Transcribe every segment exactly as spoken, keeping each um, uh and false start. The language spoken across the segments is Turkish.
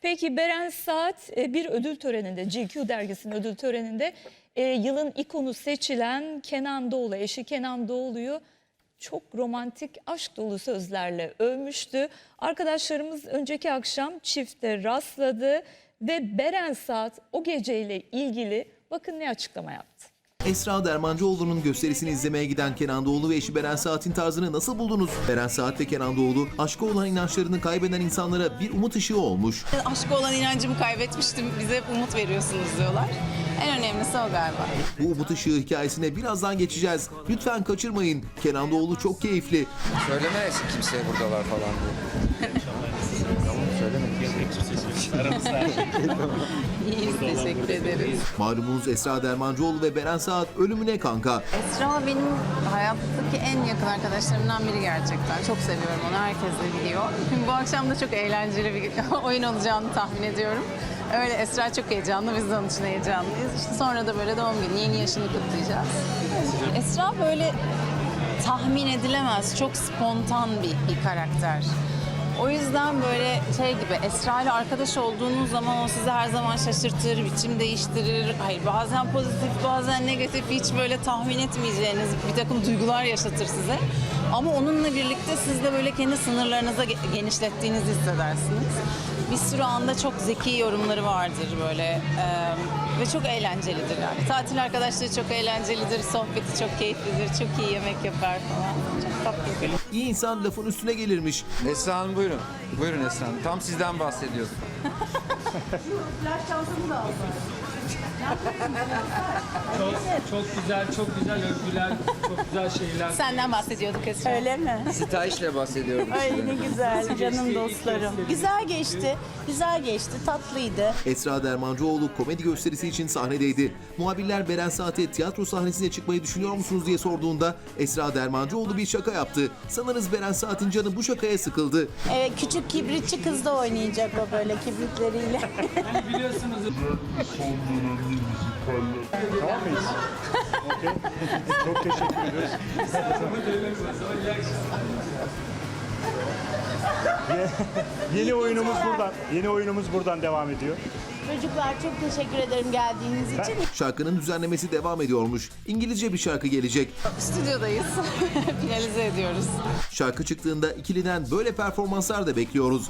Peki Beren Saat e, bir ödül töreninde, G Q dergisinin ödül töreninde e, yılın ikonu seçilen Kenan Doğulu, eşi Kenan Doğulu'yu çok romantik, aşk dolu sözlerle övmüştü. Arkadaşlarımız önceki akşam çifte rastladı ve Beren Saat o geceyle ilgili bakın ne açıklama yaptı. Esra Dermancıoğlu'nun gösterisini izlemeye giden Kenan Doğulu ve eşi Beren Saat'in tarzını nasıl buldunuz? Beren Saat ve Kenan Doğulu aşka olan inançlarını kaybeden insanlara bir umut ışığı olmuş. Aşka olan inancımı kaybetmiştim, bize hep umut veriyorsunuz diyorlar. En önemlisi o galiba. Bu umut ışığı hikayesine birazdan geçeceğiz. Lütfen kaçırmayın. Kenan Doğulu çok keyifli. Söyleme kimseye buradalar falan diye. Tamam söyleme. İyiyiz, teşekkür ederiz. Malumunuz Esra Dermancıoğlu ve Beren Saat ölümüne kanka. Esra benim hayattaki en yakın arkadaşlarımdan biri gerçekten. Çok seviyorum onu, herkes de biliyor. Şimdi bu akşam da çok eğlenceli bir oyun olacağını tahmin ediyorum. Öyle Esra çok heyecanlı, biz de onun için heyecanlıyız. İşte sonra da böyle doğum günü, yeni yaşını kutlayacağız. Esra böyle tahmin edilemez, çok spontan bir, bir karakter. O yüzden böyle şey gibi, Esra ile arkadaş olduğunuz zaman o sizi her zaman şaşırtır, biçim değiştirir. Hayır, bazen pozitif, bazen negatif, hiç böyle tahmin etmeyeceğiniz bir takım duygular yaşatır size. Ama onunla birlikte siz de böyle kendi sınırlarınıza genişlettiğinizi hissedersiniz. Bir sürü anda çok zeki yorumları vardır böyle ee, ve çok eğlencelidir yani. Tatil arkadaşları çok eğlencelidir, sohbeti çok keyiflidir, çok iyi yemek yapar falan. Çok tatlı bir film. İyi insan lafın üstüne gelirmiş. Esra Hanım buyurun. Buyurun Esra Hanım. Tam sizden bahsediyorduk. Flash çantamı da aldım. Çok, çok güzel, çok güzel övgüler, çok güzel şeyler. Senden bahsediyorduk Esra. Öyle mi? Sitayişle bahsediyorduk. Ay size. ne güzel canım geçti dostlarım. ilk gösteri? Güzel geçti, güzel geçti, tatlıydı. Esra Dermancıoğlu komedi gösterisi için sahnedeydi. Muhabirler Beren Saat'e tiyatro sahnesine çıkmayı düşünüyor musunuz diye sorduğunda Esra Dermancıoğlu bir şaka yaptı. Sanırız Beren Saat'in canı bu şakaya sıkıldı. Evet, küçük kibritçi kız da oynayacak o böyle kibritleriyle. Yani biliyorsunuz Tamam mıyız? Okey. Çok teşekkür ediyoruz. Yeni oyunumuz buradan. Yeni oyunumuz buradan devam ediyor. Çocuklar çok teşekkür ederim geldiğiniz için. Şarkının düzenlemesi devam ediyormuş. İngilizce bir şarkı gelecek. Stüdyodayız. Finalize ediyoruz. Şarkı çıktığında ikiliden böyle performanslar da bekliyoruz.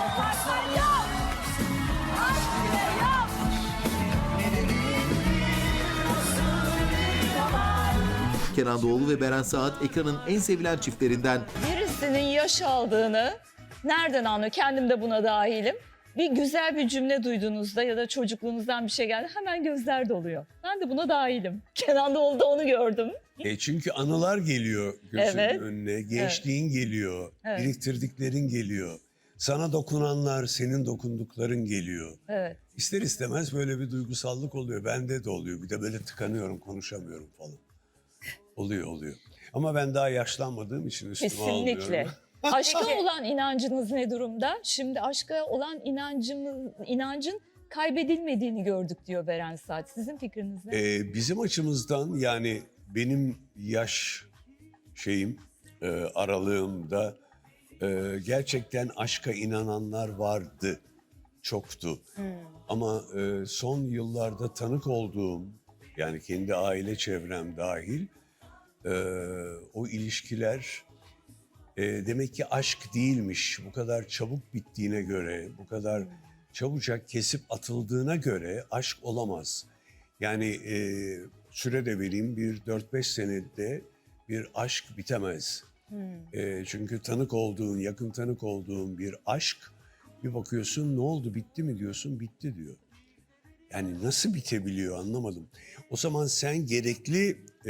Kenan Doğulu ve Beren Saat ekranın en sevilen çiftlerinden. Birisinin yaş aldığını nereden anlıyor? Kendim de buna dahilim. Bir güzel bir cümle duyduğunuzda ya da çocukluğunuzdan bir şey geldi hemen gözler doluyor. Ben de buna dahilim. Kenan Doğulu'da onu gördüm. E çünkü anılar geliyor gözünün Evet. önüne, gençliğin geliyor, Evet. biriktirdiklerin geliyor. Sana dokunanlar, senin dokundukların geliyor. Evet. İster istemez böyle bir duygusallık oluyor. Bende de oluyor. Bir de böyle tıkanıyorum, konuşamıyorum falan. Oluyor, oluyor. Ama ben daha yaşlanmadığım için üstüme Kesinlikle. almıyorum. Aşka olan inancınız ne durumda? Şimdi aşka olan inancımız, inancın kaybedilmediğini gördük diyor Beren Saat. Sizin fikriniz ne? Ee, bizim açımızdan yani benim yaş şeyim, e, aralığımda e, gerçekten aşka inananlar vardı, çoktu. Ama e, son yıllarda tanık olduğum, yani kendi aile çevrem dahil, e, o ilişkiler e, demek ki aşk değilmiş. Bu kadar çabuk bittiğine göre, bu kadar çabucak kesip atıldığına göre aşk olamaz. Yani e, süre de vereyim, bir dört beş senede bir aşk bitemez. E, çünkü tanık olduğun, yakın tanık olduğun bir aşk, bir bakıyorsun ne oldu, bitti mi diyorsun, bitti diyor. Yani nasıl bitebiliyor anlamadım. O zaman sen gerekli e,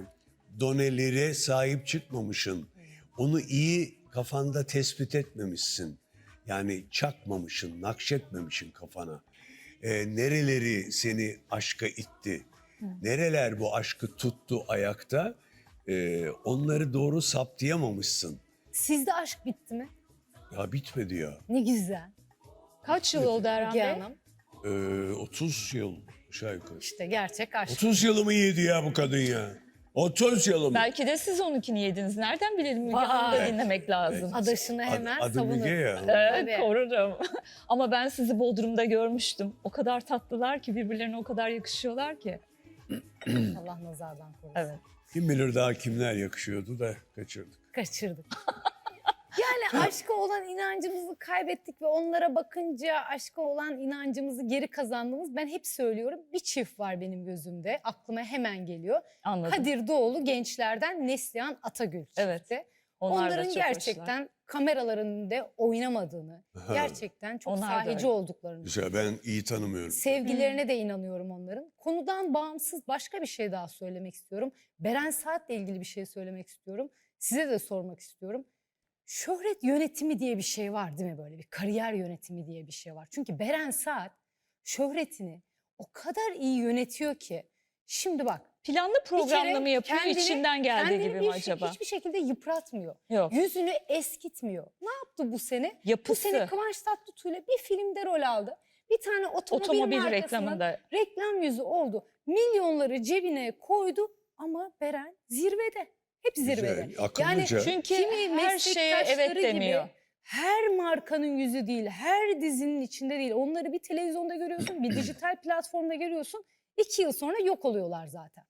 donelere sahip çıkmamışsın. Onu iyi kafanda tespit etmemişsin. Yani çakmamışsın, nakşetmemişsin kafana. E, nereleri seni aşka itti? Nereler bu aşkı tuttu ayakta? E, onları doğru saptayamamışsın. Sizde aşk bitti mi? Ya bitmedi ya. Ne güzel. Kaç yıl oldu Erhan Bey? E, otuz yıl aşağı yukarı. İşte gerçek aşk. otuz yılımı yedi ya bu kadın ya. O toz yalı. Belki de siz onunkini yediniz. Nereden bilelim? Müge Hanım'ı da dinlemek lazım. Adaşını hemen Adı savunur. Müge ya. Evet, Tabii. korurum. Ama ben sizi Bodrum'da görmüştüm. O kadar tatlılar ki, birbirlerine o kadar yakışıyorlar ki. Allah nazardan korusun. Evet. Kim bilir daha kimler yakışıyordu da kaçırdık. Kaçırdık. Yani aşka olan inancımızı kaybettik ve onlara bakınca aşka olan inancımızı geri kazandığımız, ben hep söylüyorum, bir çift var benim gözümde. Aklıma hemen geliyor. Anladım. Kadir Doğulu gençlerden Neslihan Atagül çifti. Evet. Onlar da Onların çok gerçekten hoşlar. kameraların önünde oynamadığını, gerçekten çok Onlar da sahici öyle. olduklarını. Güzel, ben iyi tanımıyorum. Sevgilerine de inanıyorum onların. Konudan bağımsız başka bir şey daha söylemek istiyorum. Beren Saat'le ilgili bir şey söylemek istiyorum. Size de sormak istiyorum. Şöhret yönetimi diye bir şey var değil mi, böyle bir kariyer yönetimi diye bir şey var. Çünkü Beren Saat şöhretini o kadar iyi yönetiyor ki. Şimdi bak. Planlı bir kere programla mı yapıyor, kendini- içinden geldiği kendini gibi bir mi şey- acaba? Hiçbir şekilde yıpratmıyor. Yok. Yüzünü eskitmiyor. Ne yaptı bu sene? Bu Yapısı. sene Kıvanç Tatlıtuğ'yla bir filmde rol aldı. Bir tane otomobil, Otomobil markasının reklamında. reklam yüzü oldu. Milyonları cebine koydu ama Beren zirvede. Hep zirvede. Güzel, akıllıca. Çünkü kimi her şeye evet meslektaşları gibi demiyor. her markanın yüzü değil, her dizinin içinde değil. Onları bir televizyonda görüyorsun, bir dijital platformda görüyorsun. İki yıl sonra yok oluyorlar zaten.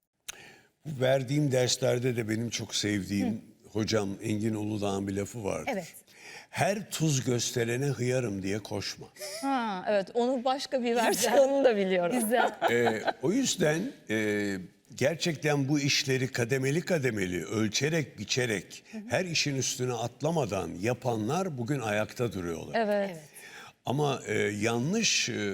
Bu verdiğim derslerde de benim çok sevdiğim hocam Engin Uludağ'ın bir lafı vardır. Evet. Her tuz gösterene hıyarım diye koşma. Ha, evet, onu başka bir versiyonunu da biliyorum. Güzel. Ee, o yüzden e, gerçekten bu işleri kademeli kademeli, ölçerek, biçerek, her işin üstüne atlamadan yapanlar bugün ayakta duruyorlar. Evet. Ama e, yanlış e,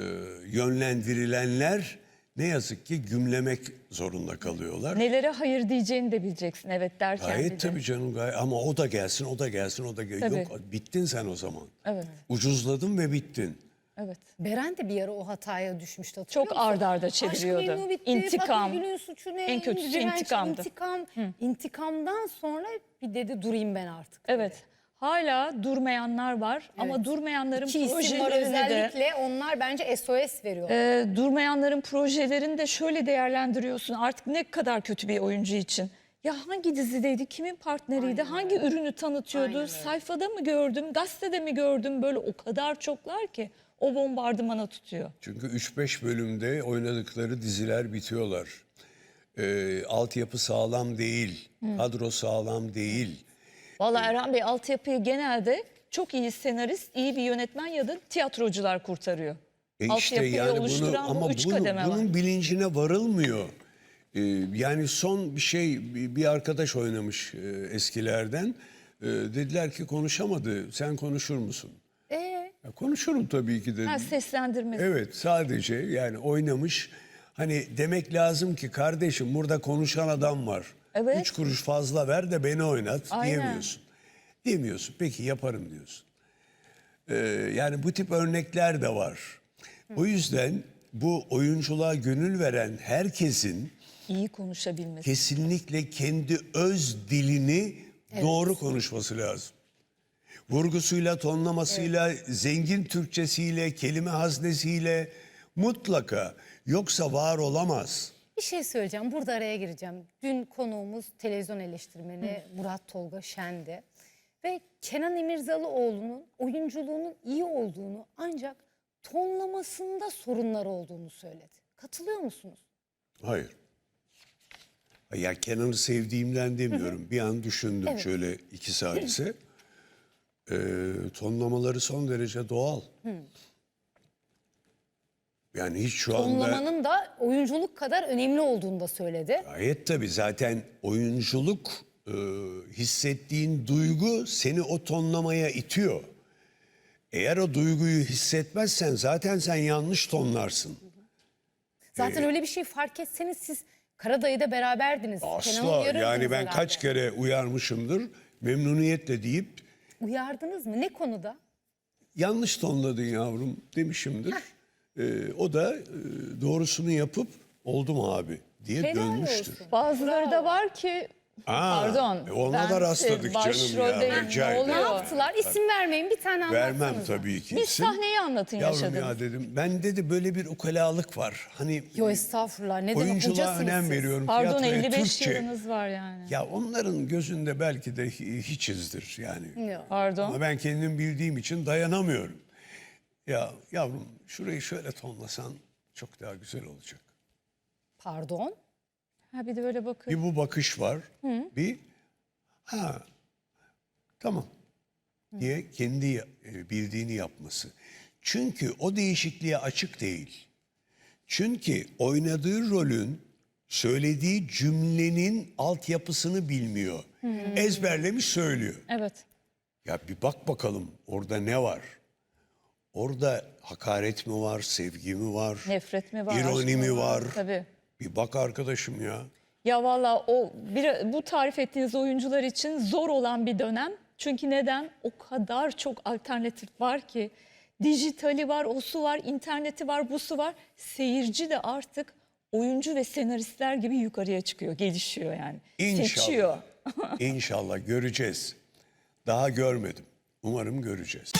yönlendirilenler ne yazık ki gümlemek zorunda kalıyorlar. Nelere hayır diyeceğini de bileceksin evet derken. bir Gayet de. tabii canım, gayet. Ama o da gelsin, o da gelsin, o da gelsin. Tabii. Yok, bittin sen o zaman. Evet. Ucuzladın ve bittin. Evet. Beren de bir ara o hataya düşmüştü. Çok hatırlıyor musun? ard arda Aşk çeviriyordu. Memnu bitti, İntikam. Fatma Gül'ün suçu ne? En kötüsü Direnç, intikamdı. İntikam. İntikamdan sonra bir dedi durayım ben artık. Evet. Hala durmayanlar var ama durmayanların İki isim var projelerini de özellikle, onlar bence S O S veriyor. e, durmayanların projelerini de şöyle değerlendiriyorsun. Artık ne kadar kötü bir oyuncu için. Ya hangi dizideydi, kimin partneriydi, hangi ürünü tanıtıyordu, sayfada mı gördüm, gazetede mi gördüm, böyle o kadar çoklar ki o bombardımana tutuyor. Çünkü üç beş bölümde oynadıkları diziler bitiyorlar. Ee, altyapı sağlam değil, kadro sağlam değil. Vallahi Erhan Bey, altyapıyı genelde çok iyi senarist, iyi bir yönetmen ya da tiyatrocular kurtarıyor. E işte Altyapıyı yani bunu oluşturan bu ama üç bunu, kademe var. bunun bilincine varılmıyor. Ee, yani son bir şey bir bir arkadaş oynamış e, eskilerden. Ee, dediler ki konuşamadı. Sen konuşur musun? Ee, Ya konuşurum tabii ki dedim. Ha, seslendirmesi. Evet, sadece yani oynamış. Hani demek lazım ki kardeşim burada konuşan adam var. Evet. Üç kuruş fazla ver de beni oynat Aynen. diyemiyorsun. Demiyorsun. Peki yaparım diyorsun. Ee, yani bu tip örnekler de var. O yüzden bu oyunculuğa gönül veren herkesin İyi konuşabilmesi. kesinlikle kendi öz dilini doğru konuşması lazım. Vurgusuyla, tonlamasıyla, zengin Türkçesiyle, kelime haznesiyle mutlaka. Yoksa var olamaz. bir şey söyleyeceğim. Burada araya gireceğim. Dün konuğumuz televizyon eleştirmeni Murat Tolga Şen'di. Ve Kenan İmirzalıoğlu'nun oyunculuğunun iyi olduğunu, ancak tonlamasında sorunlar olduğunu söyledi. Katılıyor musunuz? Hayır. Ya Kenan'ı sevdiğimden demiyorum. Bir an düşündüm Evet. şöyle iki salise. Ee, tonlamaları son derece doğal. Yani hiç şu anda... Tonlamanın da oyunculuk kadar önemli olduğunu da söyledi. Gayet tabii, zaten oyunculuk e, hissettiğin duygu seni o tonlamaya itiyor. Eğer o duyguyu hissetmezsen zaten sen yanlış tonlarsın. Zaten öyle bir şey fark etseniz siz Karadayı'da beraberdiniz. Kenan'ı Asla, uyarırdınız yani ben herhalde. kaç kere uyarmışımdır memnuniyetle deyip Uyardınız mı? Ne konuda? yanlış tonladın yavrum demişimdir. Ee, o da e, doğrusunu yapıp oldu mu abi diye Helal dönmüştür. olsun. Bazıları da Bravo. var ki Aa, Pardon. e, Ona ben da rastladık canım ya. başroldeyim. Rica Ne ederim. Ne oluyor? yaptılar? İsim vermeyin, bir tane anlatsanıza. Vermem tabii ki. Bir isim. sahneyi anlatın Yavrum yaşadığınız. ya dedim. Ben dedi böyle bir ukalalık var. Hani Yo estağfurullah, ne demek, oyunculuğa hocasınız önem siz. veriyorum. Pardon tiyatroya, elli beş Türkçe. yılınız var yani. Ya onların gözünde belki de hi- hiçizdir yani. Yok. Pardon. Ama ben kendim bildiğim için dayanamıyorum. Ya yavrum şurayı şöyle tonlasan çok daha güzel olacak. Pardon. Ha bir de böyle bakın. Bir bu bakış var. Bir ha tamam diye kendi ya- e, bildiğini yapması. Çünkü o değişikliğe açık değil. Çünkü oynadığı rolün söylediği cümlenin altyapısını bilmiyor. Ezberlemiş söylüyor. Evet. Ya bir bak bakalım orada ne var? Orada hakaret mi var, sevgi mi var? Nefret mi var? İroni aşk mı mi var? Tabii. Bir bak arkadaşım ya. Ya valla o bir, bu tarif ettiğiniz oyuncular için zor olan bir dönem. Çünkü neden? O kadar çok alternatif var ki. Dijitali var, osu var, interneti var, busu var. Seyirci de artık oyuncu ve senaristler gibi yukarıya çıkıyor, gelişiyor yani. Seçiyor. İnşallah. İnşallah göreceğiz. Daha görmedim. Umarım göreceğiz.